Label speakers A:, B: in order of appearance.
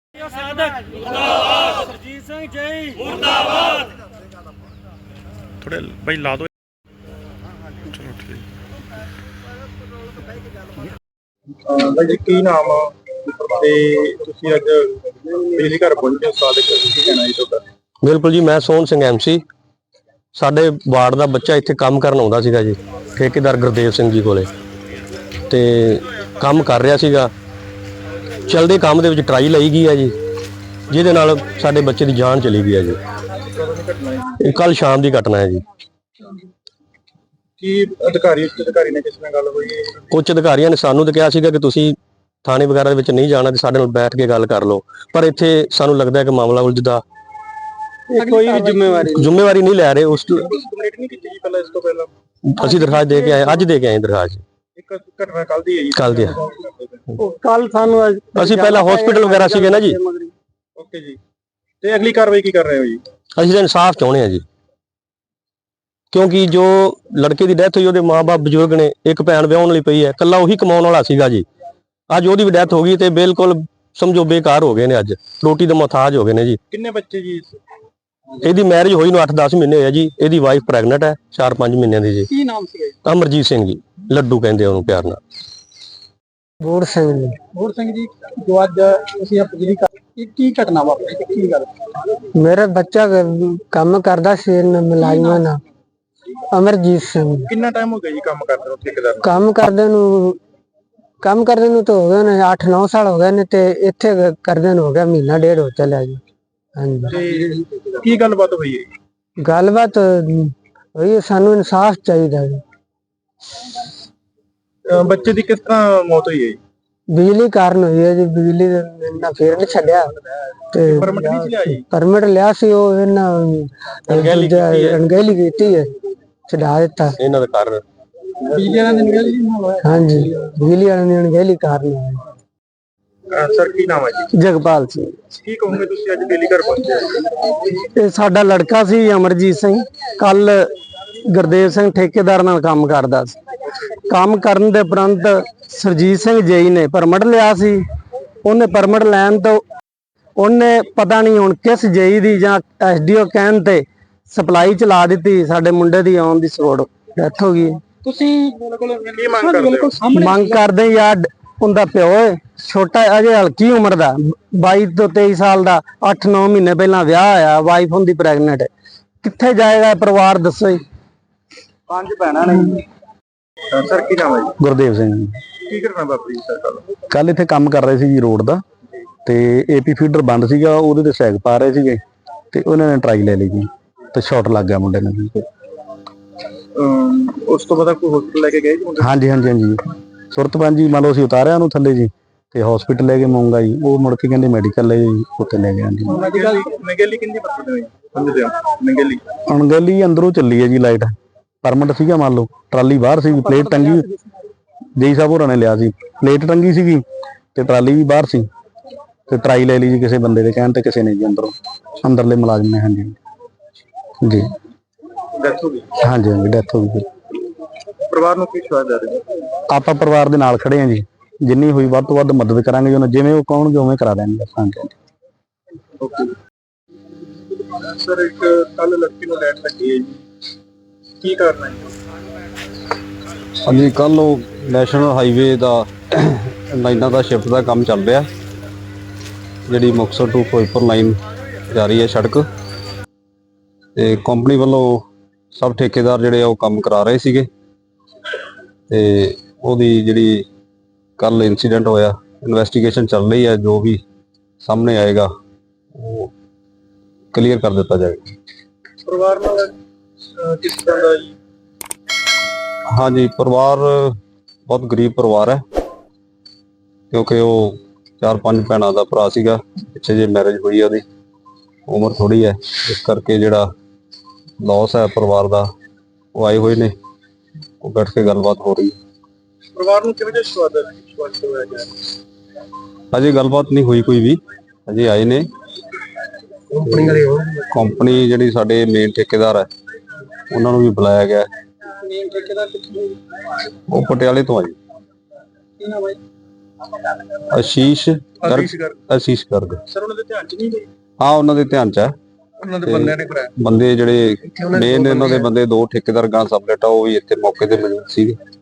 A: ਸਰਜੀਤ ਸਿੰਘ ਜੈ ਮੁਰਦਾਬਾਦ।
B: थोड़े भाई ला दो। चलो ठीक।
C: भाई जी की नाम ते तुसी अज बिजली घर पहुंचे सादे की कहना जी तुहाडा?
D: बिल्कुल जी, मैं सोहन सिंह MC साडे वार्ड का बच्चा इत्थे काम करन आउंदा सीगा जी, ठेकेदार गुरदेव सिंह जी कोले ते काम कर रहा सीगा। चलदे काम दे विच ट्राई लाई गई है जी, जिहदे नाल साडे बच्चे की जान चली गई है जी। कल शाम की घटना है जी।
C: की अधिकारी ने किस नाल गल होई?
D: उच्च अधिकारियों ने सानू तो कहा सीगा कि तुसीं थाने वगैरह विच नहीं जाना, साडे नाल बैठ के गल कर लो, पर इत्थे सानू लगदा है कि मामला उलझदा
C: कोई भी
D: जिम्मेवारी नहीं लै रहे। उस
C: कंप्लीट नहीं कीती जी पहले, इस तो पहला
D: असीं दरखास्त दे के आए, अज दे के आए दरखास्त।
C: एक घटना कल दी है जी,
D: कल दी
C: कल सानू
D: असीं पहला हॉस्पिटल वगैरह सीगे ना जी।
C: ओके जी, ते अगली कार्रवाई की कर रहे हो जी?
D: ਅਸੀਂ ਤਾਂ ਇਨਸਾਫ ਚਾਹੁੰਦੇ ਹਾਂ ਜੀ, ਕਿਉਂਕਿ ਜੋ ਲੜਕੇ ਦੀ ਡੈਥ ਹੋਈ ਉਹਦੇ ਮਾਂ-ਬਾਪ ਬਜ਼ੁਰਗ ਨੇ, ਇੱਕ ਭੈਣ ਵਿਆਹੁਣ ਲਈ ਪਈ ਹੈ, ਇਕੱਲਾ ਉਹੀ ਕਮਾਉਣ ਵਾਲਾ ਸੀਗਾ ਜੀ। ਅੱਜ ਉਹਦੀ ਵੀ ਡੈਥ ਹੋ ਗਈ ਤੇ ਬਿਲਕੁਲ ਸਮਝੋ ਬੇਕਾਰ ਹੋ ਗਏ ਨੇ, ਅੱਜ ਰੋਟੀ ਦੇ ਮੁਹਤਾਜ ਹੋ ਗਏ ਨੇ ਜੀ।
C: ਕਿੰਨੇ ਬੱਚੇ ਜੀ?
D: ਇਹਦੀ ਮੈਰਿਜ ਹੋਈ ਨੂੰ 8-10 ਮਹੀਨੇ ਹੋਏ ਜੀ। ਇਹਦੀ ਵਾਈਫ ਪ੍ਰੈਗਨੈਂਟ ਹੈ 4-5 ਮਹੀਨਿਆਂ ਦੀ ਜੀ।
C: ਕੀ ਨਾਮ ਸੀ ਜੀ?
D: ਅਮਰਜੀਤ ਸਿੰਘ ਜੀ, ਲੱਡੂ ਕਹਿੰਦੇ ਉਹਨੂੰ ਪਿਆਰ ਨਾਲ।
C: ਬੋਰ ਸਿੰਘ ਜੀ, ਜੋ ਅੱਜ ਤੁਸੀਂ ਬਿਜਲੀ ਕੀ ਘਟਨਾ ਵਾਪਰੀ, ਕੀ ਗੱਲ?
E: मेरा बच्चा काम करदा सी मुलाजमां नाल, अमरजीत सिंह।
C: कितना टाइम हो गया जी काम करदे नु? ठेकेदार
E: काम करदे नु तो हो गए ने 8-9 साल हो गए ने, ते इत्थे करदे नु हो गया महीना डेढ़ हो चलिया जी। हां जी,
C: की गलबात हुई है?
E: गलबात होई है, सानू इंसाफ चाहिए जी।
C: बच्चे दी किस तरह मौत हुई है?
E: बिजली कारण हुई है जी। बिजली ना फिर नहीं छड्या ते
C: परमिट नहीं लिया जी?
E: परमिट लिया सी, ओ इन्ना अनगहली कीती है, छड़ा दिता
D: ਇਹਨਾਂ ਦਾ ਕਾਰਨ
C: बिजली वाला दिन गली ना?
E: हाँ जी, बिजली वाले ने अनगहली कारण है।
C: सर की नाम है जी?
E: जगपाल सिंह।
C: की कहोगे तुसी आज बिजली घर पहुंचे?
E: ਇਹ ਸਾਡਾ ਲੜਕਾ ਸੀ ਅਮਰਜੀਤ ਸਿੰਘ, ਕੱਲ ਗੁਰਦੇਵ ਸਿੰਘ ਠੇਕੇਦਾਰ ਨਾਲ ਕੰਮ ਕਰਦਾ ਸੀ। ਕੰਮ ਕਰਨ ਦੇ ਉਪਰੰਤ ਸਰਜੀਤ ਸਿੰਘ ਜੇਈ ਨੇ ਪਰਮਿਟ ਲਿਆ ਸੀ। ਉਹਨੇ ਪਰਮਿਟ ਲੈਣ ਤੋਂ ਉਹਨੇ ਪਤਾ ਨਹੀਂ ਹੁਣ ਕਿਸ ਜੇਈ ਦੀ ਜਾਂ SDO ਕਹਿਣ ਤੇ ਸਪਲਾਈ ਚਲਾ ਦਿੱਤੀ, ਸਾਡੇ ਮੁੰਡੇ ਦੀ ਆਉਣ ਦੀ ਸਪੋਰਟ ਡੈਥ ਹੋ ਗਈ।
C: ਤੁਸੀਂ ਕੀ ਮੰਗ ਕਰਦੇ ਹੋ?
E: ਮੰਗ ਕਰਦੇ ਯਾਰ, ਉਹਦਾ ਪਿਓ ਹੈ ਛੋਟਾ, ਅਜੇ ਹਲਕੀ ਉਮਰ ਦਾ, 22 ਤੋਂ 23 ਸਾਲ ਦਾ, 8-9 ਮਹੀਨੇ ਪਹਿਲਾਂ ਵਿਆਹ ਹੋਇਆ, ਵਾਈਫ ਹੁੰਦੀ ਪ੍ਰੈਗਨੈਂਟ ਹੈ। ਕਿੱਥੇ ਜਾਏਗਾ ਪਰਿਵਾਰ, ਦੱਸੋ ਜੀ।
C: 5 ਭੈਣਾਂ ਨੇ। ਸਰ ਕੀ ਨਾਮ ਹੈ ਜੀ?
D: ਗੁਰਦੇਵ ਸਿੰਘ ਜੀ।
C: ਕੀ ਕਰਨਾ ਬਾਪੂ ਜੀ? ਸਰ
D: ਕੱਲ ਇੱਥੇ ਕੰਮ ਕਰ ਰਹੇ ਸੀ ਜੀ ਰੋਡ ਦਾ, ਤੇ AP ਫੀਡਰ ਬੰਦ ਸੀਗਾ, ਉਹਦੇ ਤੇ ਸੈਗ ਪਾ ਰਹੇ ਸੀਗੇ ਤੇ ਉਹਨਾਂ ਨੇ ਟਰਾਈ ਲੈ ਲਈ ਜੀ, ਤੇ ਸ਼ਾਟ ਲੱਗ ਗਿਆ ਮੁੰਡੇ ਨੂੰ ਜੀ।
C: ਉਸ ਤੋਂ ਬਾਅਦ ਕੋਈ ਹਸਪੀਟਲ ਲੈ ਕੇ ਗਏ ਜੀ ਮੁੰਡੇ?
D: ਹਾਂਜੀ ਸੁਰਤਪੰਜ ਜੀ, ਮੰਨ ਲਓ ਅਸੀਂ ਉਤਾਰਿਆ ਉਹਨੂੰ ਥੱਲੇ ਜੀ, ਤੇ ਹਸਪੀਟਲ ਲੈ ਕੇ ਮੂੰਗਾ ਜੀ, ਉਹ ਮੁੜ ਕੇ ਕਹਿੰਦੇ ਮੈਡੀਕਲ ਲੈ ਜੀ, ਉੱਥੇ ਲੈ ਗਏ ਜੀ।
C: ਨਗੇਲੀ ਕਿੰਨੀ ਪਰਸੈਂਟ ਹੋਈ ਸਮਝਦੇ ਹੋ? ਨਗੇਲੀ
D: ਅਣਗਹਿਲੀ ਅੰਦਰੋਂ ਚੱਲੀ ਹੈ ਜੀ, ਲਾਈਟ ਪਰਮਿਟ ਸੀਗਾ, ਮੰਨ ਲਓ ਟਰਾਲੀ ਬਾਹਰ ਸੀ, ਪਲੇਟ ਟੰਗੀ ਜੇਈ ਸਾਹਿਬ ਹੋਰਾਂ ਨੇ ਲਿਆ ਸੀ, ਪਲੇਟ ਟੰਗੀ ਸੀਗੀ ਤੇ ਟਰਾਲੀ ਵੀ ਬਾਹਰ ਸੀ, ਤੇ ਟਰਾਈ ਲੈ ਲਈ ਜੀ ਕਿਸੇ ਬੰਦੇ ਦੇ ਕਹਿਣ ਤੇ, ਕਿਸੇ ਨੇ ਜੀ ਅੰਦਰਲੇ ਮੁਲਾਜ਼ਮ ਨੇ। ਹਾਂਜੀ ਜੀ,
C: ਡੈਥ ਹੋ ਗਈ?
D: ਹਾਂਜੀ ਡੈਥ ਹੋ ਗਈ।
C: ਪਰਿਵਾਰ ਨੂੰ ਕੀ ਸ਼ਵਾਦ ਦੇ ਰਹੇ?
D: ਆਪਾਂ ਪਰਿਵਾਰ ਦੇ ਨਾਲ ਖੜੇ ਹਾਂ ਜੀ, ਜਿੰਨੀ ਹੋਈ ਵੱਧ ਤੋਂ ਵੱਧ ਮਦਦ ਕਰਾਂਗੇ, ਉਹਨਾਂ ਜਿਵੇਂ ਉਹ ਕਹਣਗੇ ਉਵੇਂ ਕਰਾ ਦੇਣਗੇ।
C: ਓਕੇ ਸਰ, ਇੱਕ ਕੱਲ ਲੜਕੀ ਨੂੰ ਲੈਟ ਲੱਗੀ ਹੈ ਜੀ, ਕੀ ਕਰਨਾ ਹੈ?
F: ਹਾਂਜੀ, ਕੱਲ ਉਹ ਨੈਸ਼ਨਲ ਹਾਈਵੇ ਦਾ ਲਾਈਨਾਂ ਦਾ ਸ਼ਿਫਟ ਦਾ ਕੰਮ ਚੱਲ ਰਿਹਾ, ਜਿਹੜੀ ਮੁਕਤਸਰ ਤੋਂ ਫਿਰੋਜ਼ਪੁਰ ਲਾਈਨ ਜਾ ਰਹੀ ਹੈ ਸੜਕ, ਤੇ ਕੰਪਨੀ ਵੱਲੋਂ ਸਭ ਠੇਕੇਦਾਰ ਜਿਹੜੇ ਆ ਉਹ ਕੰਮ ਕਰਾ ਰਹੇ ਸੀਗੇ, ਤੇ ਉਹਦੀ ਜਿਹੜੀ ਕੱਲ ਇਨਸੀਡੈਂਟ ਹੋਇਆ, ਇਨਵੈਸਟੀਗੇਸ਼ਨ ਚੱਲ ਰਹੀ ਹੈ, ਜੋ ਵੀ ਸਾਹਮਣੇ ਆਏਗਾ ਉਹ ਕਲੀਅਰ ਕਰ ਦਿੱਤਾ ਜਾਏਗਾ।
C: ਪਰਿਵਾਰ ਨਾਲ ਕਿਸ ਤਰ੍ਹਾਂ ਦਾ ਜੀ?
F: ਹਾਂਜੀ, ਪਰਿਵਾਰ ਬਹੁਤ ਗਰੀਬ ਪਰਿਵਾਰ ਹੈ, ਕਿਉਂਕਿ ਉਹ 4-5 ਭੈਣਾਂ ਦਾ ਭਰਾ ਸੀਗਾ, ਪਿੱਛੇ ਜੇ ਮੈਰਿਜ ਹੋਈ ਹੈ, ਉਹਦੀ ਉਮਰ ਥੋੜੀ ਹੈ, ਇਸ ਕਰਕੇ ਜਿਹੜਾ ਲੌਸ ਹੈ ਪਰਿਵਾਰ ਦਾ, ਉਹ ਆਏ ਹੋਏ ਨੇ, ਉਹ ਬੈਠ ਕੇ ਗੱਲਬਾਤ ਹੋ ਰਹੀ ਹੈ।
C: ਪਰਿਵਾਰ ਨੂੰ ਕਿਵੇਂ ਜਿਹਾ ਸਵਾਦ ਹੋਇਆ ਗਿਆ?
F: ਅਜੇ ਗੱਲਬਾਤ ਨਹੀਂ ਹੋਈ ਕੋਈ ਵੀ, ਅਜੇ ਆਏ ਨੇ ਕੰਪਨੀ ਜਿਹੜੀ ਸਾਡੇ ਮੇਨ ਠੇਕੇਦਾਰ ਹੈ, ਉਹਨਾਂ ਨੂੰ ਵੀ ਬੁਲਾਇਆ ਗਿਆ।
C: ਮੇਨ ਠੇਕੇਦਾਰ ਕਿੱਥੋਂ?
F: ਉਹ ਪਟਿਆਲੇ ਤੋਂ ਆ ਜੀ।
C: ਕੀ ਨਾਮ ਹੈ?
F: ਆਸ਼ੀਸ਼
C: ਆਸ਼ੀਸ਼ ਗਰਗ।
F: ਆਸ਼ੀਸ਼ ਗਰਗ।
C: ਸਰ ਉਹਨਾਂ ਦੇ ਧਿਆਨ ਚ ਨਹੀਂ ਗਈ,
F: ਹਾਂ ਉਹਨਾਂ ਦੇ ਧਿਆਨ ਚ ਹੈ।
C: ਉਹਨਾਂ ਦੇ ਬੰਦਿਆਂ ਨੇ ਕਰਾਇਆ।
F: ਬੰਦੇ ਜਿਹੜੇ
C: ਉਹਨਾਂ ਦੇ
F: ਮੇਨ
C: ਦੋ
F: ਇਹਨਾਂ ਦੇ ਬੰਦੇ 2 ਠੇਕੇਦਾਰ ਗਾਂ ਸਬਲੇਟ ਆ ਉਹ ਵੀ ਇੱਥੇ ਮੌਕੇ ਤੇ ਮੌਜੂਦ ਸੀਗੇ।